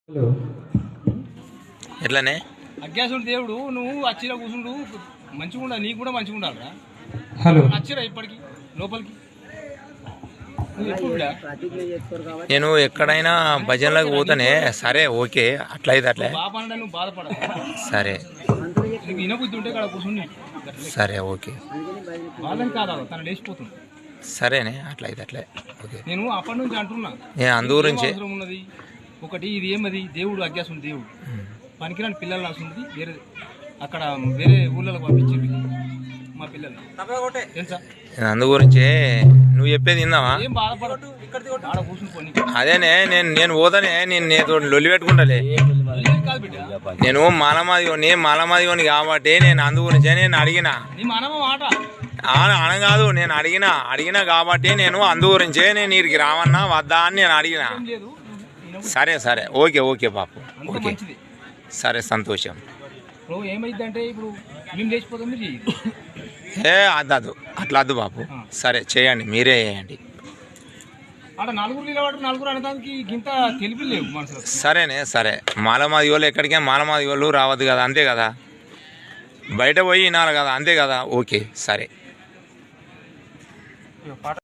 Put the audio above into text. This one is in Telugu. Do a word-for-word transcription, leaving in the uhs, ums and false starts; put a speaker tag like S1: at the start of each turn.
S1: హలో
S2: ఎట్లానే
S3: అజ్ఞాసుడు దేవుడు నువ్వు అచ్చిరా కూర్చుండు మంచిగా ఉండాలి, నీకు కూడా మంచిగా ఉండాలిరా.
S1: హలో
S3: అచ్చిరా ఇప్పటికి లోపలికి నువ్వు ఎప్పుడు బిడ్డా?
S2: నేను ఎక్కడైనా భజనలకు పోతానే. సరే ఓకే, అట్లయితే అట్లే
S3: బాప అంటే నువ్వు బాధపడాలి.
S2: సరే
S3: నీకు వినబుద్ధి ఉంటే ఇక్కడ కూర్చుని
S2: సరే ఓకే
S3: వాళ్ళని కాదా తను లేచిపోతుంది.
S2: సరేనే, అట్లయితే అట్లే ఓకే.
S3: నేను అప్పటి నుంచి అంటున్నా
S2: నేను అందు గురించి
S3: అవసరం ఉన్నది ఒకటి, ఇది ఏమది దేవుడు అజ్ఞాసుడు దేవుడు పనికిరాని పిల్లలు రాసుంది వేరే అక్కడ వేరే ఊళ్ళకి పంపించింది మా పిల్లలు తెలుసా.
S2: నేను అందు గురించి నువ్వు చెప్పేది విందావా?
S3: ఏం బాధపడదు, ఆడ కూర్చుని పోనీ.
S2: అదేనే నేను నేను పోతానే, నేను నేను లొల్లి పెట్టుకుంటాలే.
S3: ఏం కాదు బిడ్డ,
S2: నేను మాలమాదిగోని మాలమాదిగోని కాబట్టి నేను అందు గురించే నేను అడిగిన.
S3: నీ మనమ మాట
S2: అనగాదు, నేను అడిగిన అడిగిన కాబట్టి నేను అందు గురించే నేను వీరికి రావన్నా వద్దా అని నేను అడిగిన.
S3: ఏం లేదు.
S2: సరే సరే ఓకే ఓకే బాపు
S3: అంత
S2: ఓకే
S3: మంచిది.
S2: సరే సంతోషం.
S3: ఇప్పుడు ఏమైందంటే ఇప్పుడు మేము లేచిపోతాం, మీరు చెయ్యి.
S2: ఏ అద్దదు అట్లా వద్దు బాపు. సరే చేయండి, మీరే చేయండి.
S3: ఆడ నలుగురు నిలబడి నలుగురు అనడానికి ఇంత తెలిపి లేవు మనసులో.
S2: సరేనే సరే, మాలమాది వాళ్ళు ఎక్కడికే మాలమాది వాళ్ళు రావద్దు కదా, అంతే కదా. బయట పోయి వినాలి కదా, అంతే కదా. ఓకే సరే.